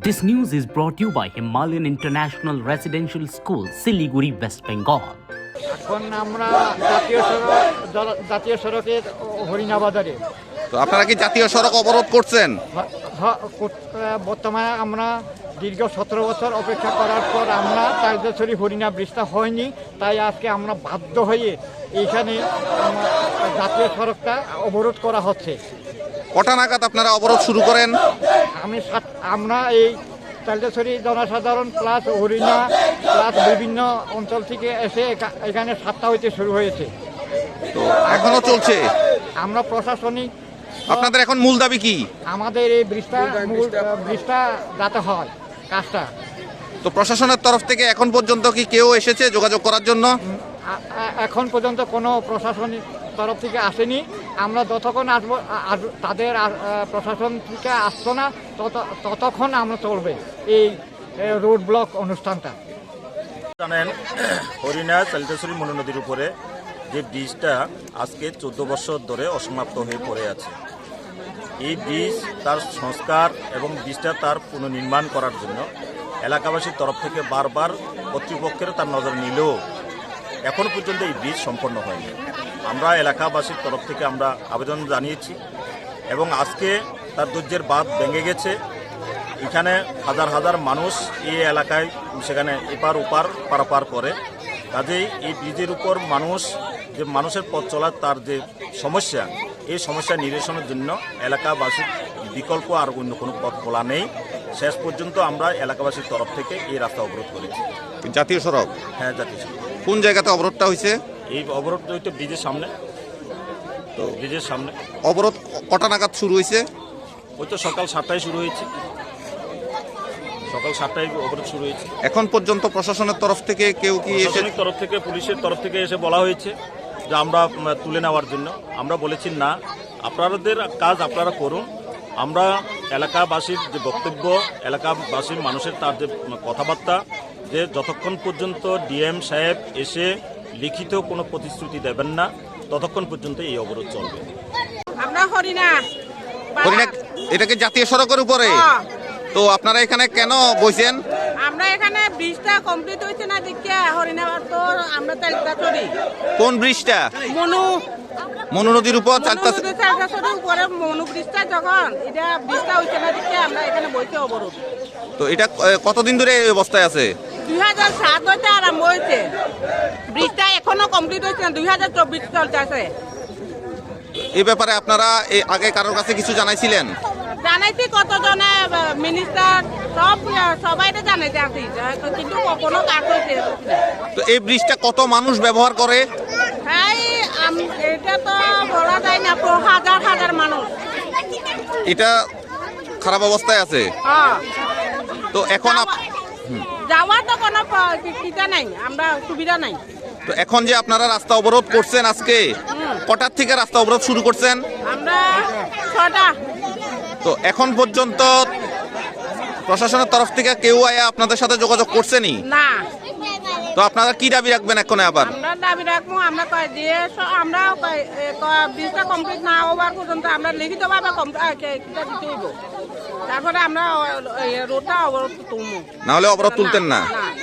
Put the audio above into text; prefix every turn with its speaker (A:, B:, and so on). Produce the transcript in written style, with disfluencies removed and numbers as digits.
A: This news is brought to you by Himalayan International Residential School, Siliguri, West Bengal.
B: এখন আমরা জাতীয় সড়কের হরিণাবাজারে।
C: তো আপনারা কি জাতীয় সড়ক অবরোধ করছেন?
B: বর্তমানে আমরা দীর্ঘ 17 বছর অপেক্ষা করার পর আমরা তালদেশ্বরী হরিণা ব্রিজটা হয়নি, তাই আজকে আমরা বাধ্য হয়ে এইখানে জাতীয় সড়কটা অবরোধ করা হচ্ছে।
C: কটা নাগাদ আপনারা অবরোধ শুরু করেন?
B: আমরা এই তালদেশ্বরী জনসাধারণ প্লাস হরিণা প্লাস বিভিন্ন অঞ্চল থেকে এসে এখানে 7টা হইতে শুরু হয়েছে।
C: তো এখনো চলছে?
B: আমরা প্রশাসনিক
C: আপনাদের এখন মূল দাবি কি?
B: আমাদের এই ব্রিজটা যাতে হয় কাজটা।
C: তো প্রশাসনের তরফ থেকে এখন পর্যন্ত কি কেউ এসেছে যোগাযোগ করার জন্য?
B: এখন পর্যন্ত কোনো প্রশাসনিক তরফ থেকে আসেনি। আমরা যতক্ষণ আসবো তাদের প্রশাসন থেকে আসতো না ততক্ষণ আমরা চলবে এই রোড ব্লক অনুষ্ঠানটা।
D: জানেন, হরিণা তালদেশ্বরী মনু নদীর উপরে যে ব্রিজটা আজকে 14 বছর ধরে অসমাপ্ত হয়ে পড়ে আছে। এই ব্রিজ তার সংস্কার এবং ব্রিজটা তার পুনর্নির্মাণ করার জন্য এলাকাবাসীর তরফ থেকে বারবার কর্তৃপক্ষের তার নজর নিলেও এখন পর্যন্ত এই ব্রিজ সম্পন্ন হয়নি। আমরা এলাকাবাসীর তরফ থেকে আমরা আবেদন জানিয়েছি এবং আজকে তার ধৈর্যের বাঁধ ভেঙে গেছে। এখানে হাজার হাজার মানুষ এই এলাকায় সেখানে এপার ওপার পারাপার করে। কাজেই এই ব্রিজের উপর মানুষের পথ চলার তার যে সমস্যা, এই সমস্যা নিরসনের জন্য এলাকাবাসীর বিকল্প আর অন্য কোনো পথ খোলা নেই। শেষ পর্যন্ত আমরা এলাকাবাসীর তরফ থেকে এই রাস্তা অবরোধ করেছি।
C: জাতীয় সড়ক?
D: হ্যাঁ, জাতীয় সড়ক।
C: কোন জায়গাতে অবরোধটা হয়েছে?
D: এই অবরোধটা হইতে ব্রিজের সামনে। তো ব্রিজের সামনে
C: অবরোধ কটা নাগাদ শুরু হয়েছে?
D: ওই তো সকাল 7টায় শুরু হয়েছে। সকাল 7টায় অবরোধ শুরু হয়েছে।
C: এখন পর্যন্ত প্রশাসনের তরফ থেকে কেউ কি
D: প্রশাসনিক তরফ থেকে, পুলিশের তরফ থেকে এসে বলা হয়েছে যে আমরা তুলে নেওয়ার জন্য। আমরা বলেছি না, আপনাদের কাজ আপনারা করুন। আমরা এলাকাবাসীর যে বক্তব্য, এলাকাবাসীর মানুষের তার যে কথাবার্তা, যে যতক্ষণ পর্যন্ত ডিএম সাহেব এসে লিখিত কোনো প্রতিশ্রুতি দেবেন না ততক্ষণ পর্যন্ত এই অবরোধ চলবে।
E: আমরা হরিণা
C: এটাকে জাতীয় সড়কের উপরে? তো আপনারা এখানে কেন বসেন?
E: আমরা এখানে ব্রিজটা কমপ্লিট হয়েছে না দেখে হরিণা তো আমরা তালদেশ্বরী।
C: কোন ব্রিজটা? মনু নদীর উপর
E: তালদেশ্বরীর উপরে মনু ব্রিজটা যখন ব্রিজটা হয়েছে না দেখে আমরা এখানে বসে অবরোধ।
C: তো এটা কতদিন ধরে এই অবস্থায় আছে?
E: 2007 হইতে আরম্ভ হয়েছে। ব্রিজটা এখনো কমপ্লিট হয়েছে না, 2024 চলতে আছে।
C: এই ব্যাপারে আপনারা আগে কারোর কাছে কিছু জানাইছিলেন?
E: জানাইছি, কতজনে মিনিস্টার সবাই জানাইতে আসি, কিন্তু কোনো কাজ হয়েছে।
C: তো এই ব্রিজটা কত মানুষ ব্যবহার করে?
E: হ্যাঁ, এটা তো বলা যায় না, হাজার হাজার মানুষ।
C: এটা খারাপ অবস্থায় আছে। তো এখন
E: যাওয়ার তো কোনো নাই, আমরা সুবিধা নাই।
C: তো এখন যে আপনারা রাস্তা অবরোধ করছেন আজকে, কটার থেকে রাস্তা অবরোধ শুরু করছেন?
E: আমরা 6টা।
C: তো এখন পর্যন্ত প্রশাসনের তরফ থেকে কেউ আয়া আপনাদের সাথে যোগাযোগ করছেনি?
E: না।
C: তো আপনারা কি দাবি রাখবেন এখন? আবার
E: আমরা দাবি রাখবো, আমরা আমরা ব্রিজটা কমপ্লিট না হওয়ার পর্যন্ত আমরা লিখিতভাবে দিতে হইব, তারপরে আমরা রোডটা অবরোধ তুলবো।
C: না হলে অবরোধ তুলতেন না?